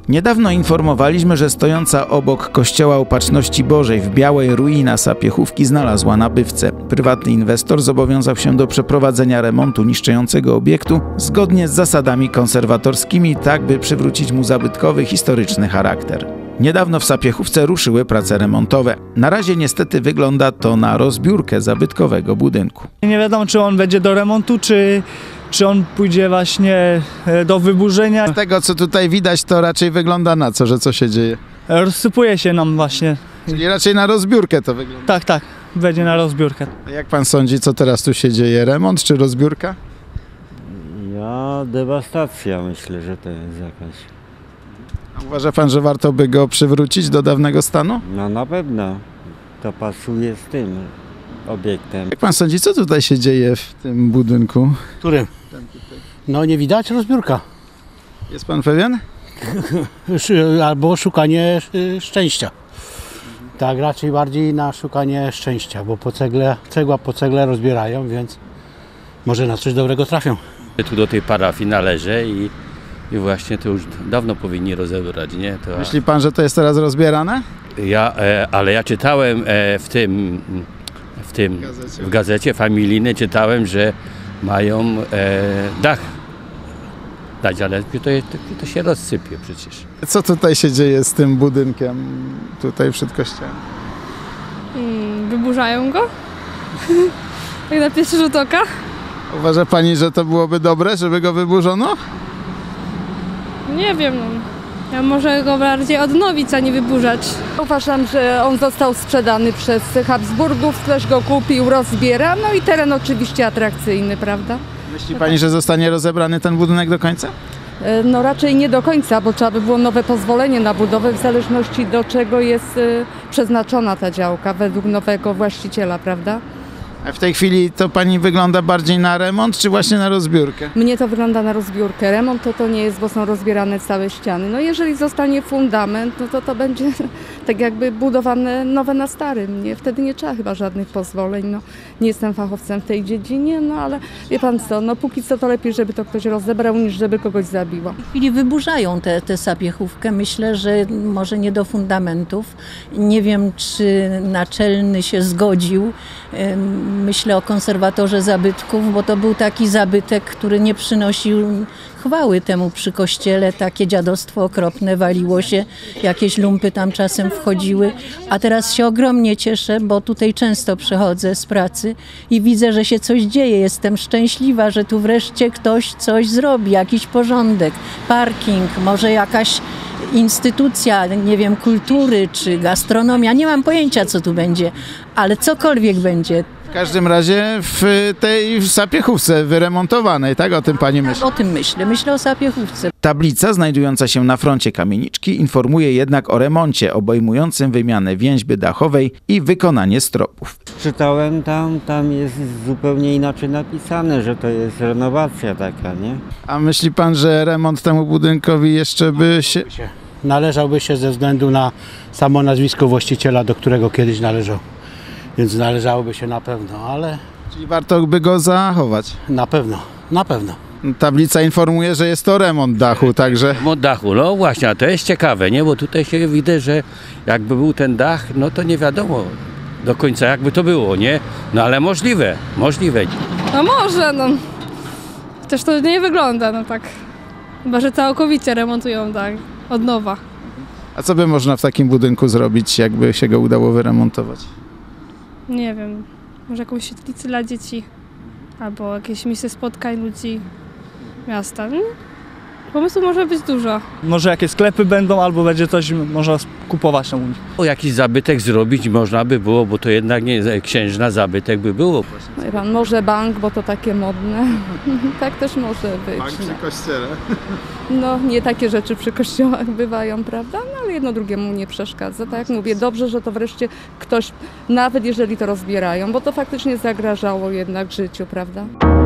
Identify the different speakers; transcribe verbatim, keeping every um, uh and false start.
Speaker 1: Niedawno informowaliśmy, że stojąca obok Kościoła Opatrzności Bożej w Białej ruina Sapiechówki znalazła nabywcę. Prywatny inwestor zobowiązał się do przeprowadzenia remontu niszczącego obiektu zgodnie z zasadami konserwatorskimi, tak by przywrócić mu zabytkowy, historyczny charakter. Niedawno w Sapiechówce ruszyły prace remontowe. Na razie niestety wygląda to na rozbiórkę zabytkowego budynku.
Speaker 2: Nie wiadomo, czy on będzie do remontu, czy, czy on pójdzie właśnie do wyburzenia.
Speaker 1: Z tego, co tutaj widać, to raczej wygląda na co, że co się dzieje?
Speaker 2: Rozsypuje się nam właśnie.
Speaker 1: Czyli raczej na rozbiórkę to wygląda.
Speaker 2: Tak, tak, będzie na rozbiórkę.
Speaker 1: A jak pan sądzi, co teraz tu się dzieje? Remont czy rozbiórka?
Speaker 3: Ja, dewastacja myślę, że to jest jakaś.
Speaker 1: A uważa pan, że warto by go przywrócić do dawnego stanu?
Speaker 3: No na pewno to pasuje z tym obiektem.
Speaker 1: Jak pan sądzi, co tutaj się dzieje w tym budynku?
Speaker 4: Którym? No nie widać, rozbiórka.
Speaker 1: Jest pan pewien?
Speaker 4: Albo szukanie szczęścia. Tak, raczej bardziej na szukanie szczęścia, bo po cegle, cegła po cegle rozbierają, więc może na coś dobrego trafią.
Speaker 5: Tu do tej parafii należy i, i właśnie to już dawno powinni rozebrać, nie? To,
Speaker 1: Myśli pan, że to jest teraz rozbierane?
Speaker 5: ja, e, ale ja czytałem e, w tym, w tym,
Speaker 1: W gazecie.
Speaker 5: w gazecie familijnej czytałem, że mają e, dach dać, ale to, to, to się rozsypie przecież.
Speaker 1: Co tutaj się dzieje z tym budynkiem tutaj przed kościołem?
Speaker 6: Hmm, wyburzają go? Tak na pierwszy rzut oka?
Speaker 1: Uważa pani, że to byłoby dobre, żeby go wyburzono?
Speaker 6: Nie wiem, no. Ja może go bardziej odnowić, a nie wyburzać.
Speaker 7: Uważam, że on został sprzedany przez Habsburgów, ktoś go kupił, rozbiera, no i teren oczywiście atrakcyjny, prawda?
Speaker 1: Myśli pani, że zostanie rozebrany ten budynek do końca?
Speaker 7: No raczej nie do końca, bo trzeba by było nowe pozwolenie na budowę, w zależności do czego jest przeznaczona ta działka, według nowego właściciela, prawda?
Speaker 1: A w tej chwili to pani wygląda bardziej na remont, czy właśnie na rozbiórkę?
Speaker 7: Mnie to wygląda na rozbiórkę. Remont to to nie jest, bo są rozbierane całe ściany. No jeżeli zostanie fundament, no to to będzie tak jakby budowane nowe na starym. Nie? Wtedy nie trzeba chyba żadnych pozwoleń. No, nie jestem fachowcem w tej dziedzinie, no ale wie pan co, no póki co to lepiej, żeby to ktoś rozebrał, niż żeby kogoś zabiło.
Speaker 8: W tej chwili wyburzają tę te, te Sapiechówkę. Myślę, że może nie do fundamentów. Nie wiem, czy naczelny się zgodził. Myślę o konserwatorze zabytków, bo to był taki zabytek, który nie przynosił chwały temu przy kościele. Takie dziadostwo okropne, waliło się, jakieś lumpy tam czasem wchodziły. A teraz się ogromnie cieszę, bo tutaj często przychodzę z pracy i widzę, że się coś dzieje. Jestem szczęśliwa, że tu wreszcie ktoś coś zrobi, jakiś porządek, parking, może jakaś instytucja, nie wiem, kultury czy gastronomia. Nie mam pojęcia, co tu będzie, ale cokolwiek będzie.
Speaker 1: W każdym razie w tej Sapiechówce wyremontowanej, tak? O tym pani myśli?
Speaker 8: O tym myślę. Myślę o Sapiechówce.
Speaker 1: Tablica znajdująca się na froncie kamieniczki informuje jednak o remoncie obejmującym wymianę więźby dachowej i wykonanie stropów.
Speaker 3: Czytałem tam, tam jest zupełnie inaczej napisane, że to jest renowacja taka, nie?
Speaker 1: A myśli pan, że remont temu budynkowi jeszcze by się...
Speaker 4: Należałby się ze względu na samo nazwisko właściciela, do którego kiedyś należał. Więc należałoby się na pewno, ale
Speaker 1: Czyli warto by go zachować?
Speaker 4: na pewno, na pewno.
Speaker 1: Tablica informuje, że jest to remont dachu, także...
Speaker 5: Remont dachu, no właśnie, a to jest ciekawe, nie? Bo tutaj się widać, że jakby był ten dach, no to nie wiadomo do końca jakby to było, nie? No ale możliwe, możliwe.
Speaker 6: No może, no. Też to nie wygląda, no tak. Chyba, że całkowicie remontują, tak, od nowa.
Speaker 1: A co by można w takim budynku zrobić, jakby się go udało wyremontować?
Speaker 6: Nie wiem, może jakąś świetlicę dla dzieci, albo jakieś miejsce spotkań ludzi miasta. No, pomysłów może być dużo.
Speaker 2: Może jakieś sklepy będą, albo będzie coś można kupować tam u nich.
Speaker 5: O, jakiś zabytek zrobić można by było, bo to jednak nie księżna zabytek by było.
Speaker 7: Wie pan, może bank, bo to takie modne. Tak też może być.
Speaker 1: Bank przy kościele.
Speaker 7: No nie takie rzeczy przy kościołach bywają, prawda? No ale jedno drugiemu nie przeszkadza. Tak jak mówię, dobrze, że to wreszcie ktoś, nawet jeżeli to rozbierają, bo to faktycznie zagrażało jednak życiu, prawda?